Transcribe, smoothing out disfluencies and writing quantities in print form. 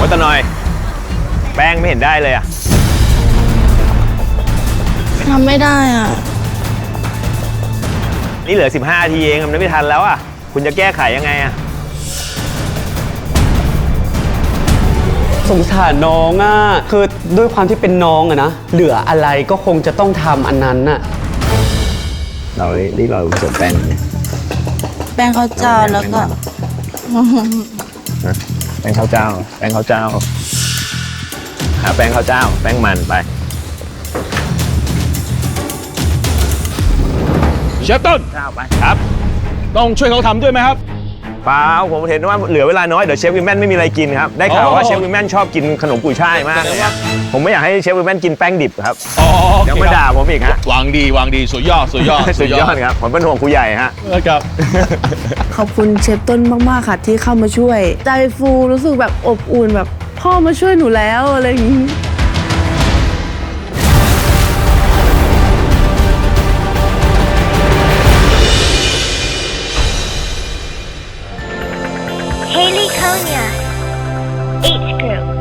ว่าแต่หน่อยแป้งไม่เห็นได้เลยอะทำไม่ได้อ่ะนี่เหลือ15 นาทีเองมันไม่ทันแล้วอะคุณจะแก้ไขยังไงอะสงสารน้องอ่ะคือด้วยความที่เป็นน้องอะนะเหลืออะไรก็คงจะต้องทำอันนั้นน่ะเรารีบเราผสมแป้งแป้งข้าวเจ้าแล้วก็แป้งข้าวเจ้าแป้งข้าวเจ้าหาแป้งข้าวเจ้าแป้งมันไปเชฟต้นข้าวไปครับ ต้องช่วยเขาทำด้วยไหมครับเปล่าผมเห็นว่าเหลือเวลาน้อยเดี๋ยวเชฟวิมแมนไม่มีอะไรกินครับได้ข่าวว่าเชฟวิมแมนชอบกินขนมกุยช่ายมากเลยครับผมไม่อยากให้เชฟวิมแมนกินแป้งดิบครับอ๋อเดี๋ยวมาด่าผมอีกฮะวางดีสุดยอดสุดยอดครับผมเป็นห่วงครูใหญ่ฮะครับขอบคุณเชฟต้นมากๆค่ะที่เข้ามาช่วย ใจฟูรู้สึกแบบอบอุ่นแบบพ่อมาช่วยหนูแล้วอะไรอย่างนี้ Haley Konya, H Group.